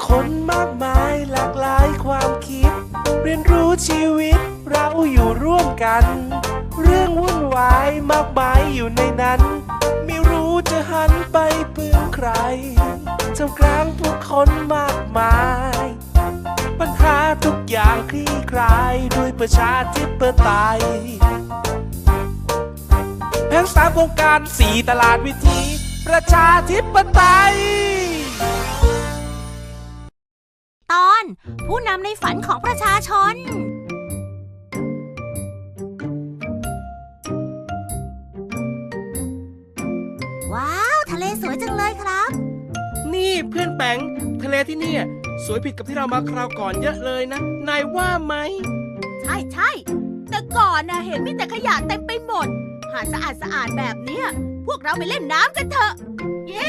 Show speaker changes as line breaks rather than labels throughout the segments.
คนมากมายหลากหลายความคิดเรียนรู้ชีวิตเราอยู่ร่วมกันเรื่องวุ่นวายมากมายอยู่ในนั้นไม่รู้จะหันไปพึ่งใครท่ามกลางผู้คนมากมายปัญหาทุกอย่างคลี่คลายด้วยประชาธิปไตยแผน3โครงการ4ตลาดวิถีประชาธิปไตย
ตอนผู้นำในฝันของประชาชนว้าวทะเลสวยจังเลยครับ
นี่เพื่อนแปงทะเลที่นี่สวยผิดกับที่เรามาคราวก่อนเยอะเลยนะนายว่าไหม
ใช่แต่ก่อนเห็นมีแต่ขยะเต็มไปหมดหาดสะอาดแบบเนี้ยพวกเราไปเล่นน้ำกันเถอะเย้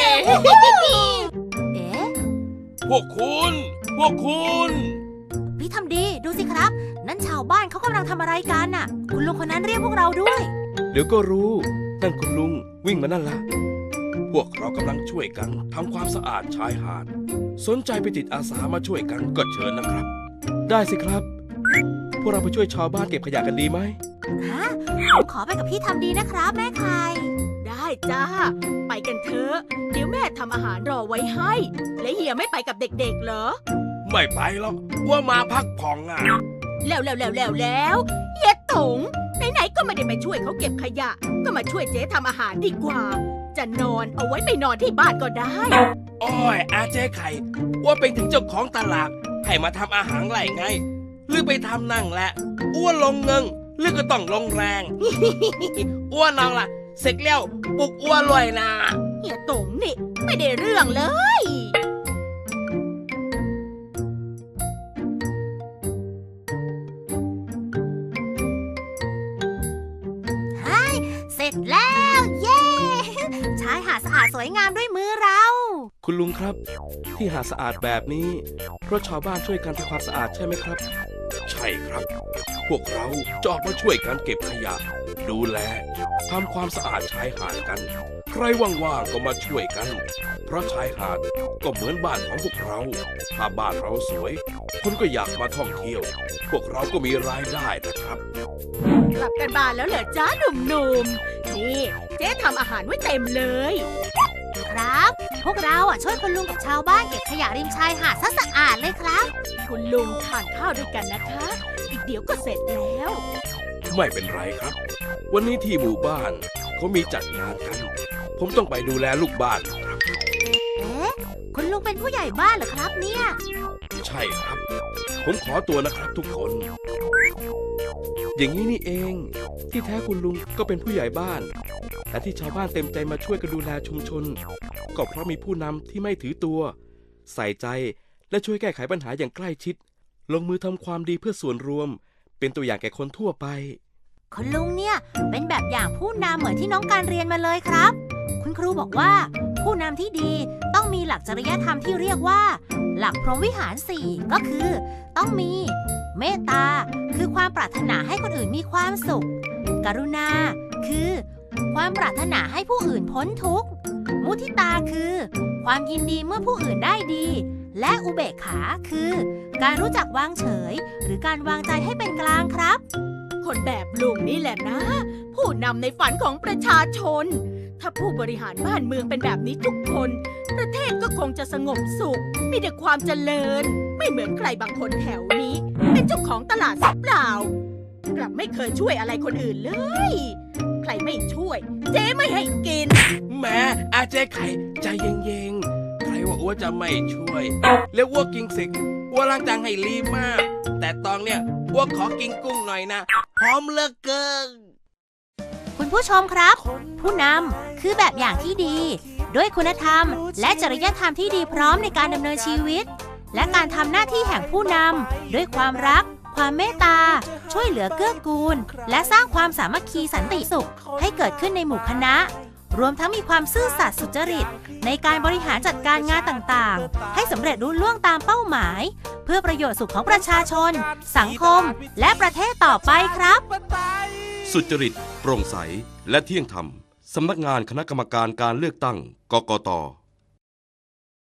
เอ๊ะ
พวกคุณ
พี่ทำดีดูสิครับนั่นชาวบ้านเขากำลังทำอะไรกันน่ะคุณลุงคนนั้นเรียกพวกเราด้วย
เดี๋ยวก็รู้นั่นคุณลุงวิ่งมานั่นละพวกเรากำลังช่วยกันทำความสะอาดชายหาดสนใจไปติดอาสามาช่วยกันก็เชิญนะครับได้สิครับพวกเราไปช่วยชาวบ้านเก็บขยะกันดีไหม
ผมขอไปกับพี่ทำดีนะครับแม่ไข่
ได้จ้าไปกันเถอะเดี๋ยวแม่ทำอาหารรอไว้ให้และเฮียไม่ไปกับเด็กๆเหรอ
ไม่ไปหรอกว่ามาพักผ่อน
แล้วเฮียตงไหนๆก็ไม่ได้ไปช่วยเขาเก็บขยะก็มาช่วยเจ๊ทำอาหารดีกว่าจะนอนเอาไว้ไปนอนที่บ้านก็ได้
อ้อยอาเจ๊ไข่ว่าเป็นถึงเจ้าของตลาดให้มาทำอาหารไรไงหรือไปทำนั่งแหละอ้วนลงเงิงหรือก็ต้องลงแรงอ้วนน้องล่ะเสร็จแล้วปลุกอ้วนรวยนะ
เฮียตงนี่ไม่ได้เรื่องเลย
เสร็จแล้วเย้ชายหาดสะอาดสวยงามด้วยมือเรา
คุณลุงครับที่หาดสะอาดแบบนี้เพราะชาวบ้านช่วยกันทำความสะอาดใช่ไหมครับใช่ครับพวกเราจะออกมาช่วยกันเก็บขยะดูแลทำความสะอาดชายหาดกันใครว่างๆก็มาช่วยกันเพราะชายหาดก็เหมือนบ้านของพวกเราถ้าบ้านเราสวยคนก็อยากมาท่องเที่ยวพวกเราก็มีรายได้นะครับ
กลับกันบ้านแล้วเหรอจ้าหนุ่มๆนี่เจ๊ทำอาหารไว้เต็มเลย
ครับพวกเราช่วยคุณลุงกับชาวบ้านเก็บขยะริมชายหาดซะสะอาดเลยครับ
คุณลุงทานข้าวด้วยกันนะคะอีกเดี๋ยวก็เสร็จแล้ว
ไม่เป็นไรครับวันนี้ที่หมู่บ้านเขามีจัดงานกันผมต้องไปดูแลลูกบ้านครับ
เอ๊ะคุณลุงเป็นผู้ใหญ่บ้านเหรอครับเนี่ย
ใช่ครับผมขอตัวนะครับทุกคนอย่างนี้นี่เองที่แท้คุณลุงก็เป็นผู้ใหญ่บ้านและที่ชาวบ้านเต็มใจมาช่วยกันดูแลชุมชนก็เพราะมีผู้นำที่ไม่ถือตัวใส่ใจและช่วยแก้ไขปัญหาอย่างใกล้ชิดลงมือทำความดีเพื่อส่วนรวมเป็นตัวอย่างแก่คนทั่วไป
คุณลุงเนี่ยเป็นแบบอย่างผู้นำเหมือนที่น้องการเรียนมาเลยครับคุณครูบอกว่าผู้นำที่ดีต้องมีหลักจริยธรรมที่เรียกว่าหลักพรหมวิหาร4ก็คือต้องมีเมตตาคือความปรารถนาให้คนอื่นมีความสุขกรุณาคือความปรารถนาให้ผู้อื่นพ้นทุกข์มุทิตาคือความยินดีเมื่อผู้อื่นได้ดีและอุเบกขาคือการรู้จักวางเฉยหรือการวางใจให้เป็นกลางครับ
คนแบบลุงนี่แหละนะผู้นำในฝันของประชาชนถ้าผู้บริหารบ้านเมืองเป็นแบบนี้ทุกคนประเทศก็คงจะสงบสุขมีแต่ความเจริญไม่เหมือนใครบางคนแถวนี้เป็นเจ้าของตลาดสับเปล่ากลับไม่เคยช่วยอะไรคนอื่นเลยใครไม่ช่วยเจ๊ไม่ให้กิน
แม่อาเจ๊ไข่ใจเย็นๆใครว่าอ้วจะไม่ช่วยแล้วอ้วกินสิอ้วล้างจานให้รีมากแต่ตอนเนี้ยอ้วขอกินกุ้งหน่อยนะหอมเหลือเกิน
คุณผู้ชมครับผู้นำคือแบบอย่างที่ดีด้วยคุณธรรมและจริยธรรมที่ดีพร้อมในการดำเนินชีวิตและการทำหน้าที่แห่งผู้นำด้วยความรักความเมตตาช่วยเหลือเกื้อกูลและสร้างความสามัคคีสันติสุขให้เกิดขึ้นในหมู่คณะรวมทั้งมีความซื่อสัตย์สุจริตในการบริหารจัดการงานต่างๆให้สำเร็จรุ่ล่วงตามเป้าหมายเพื่อประโยชน์สุขของประชาชนสังคมและประเทศต่อไปครับ
สุจริตโปร่งใสและเที่ยงธรรมสำนักงานคณะกรรมการการเลือกตั้งกกต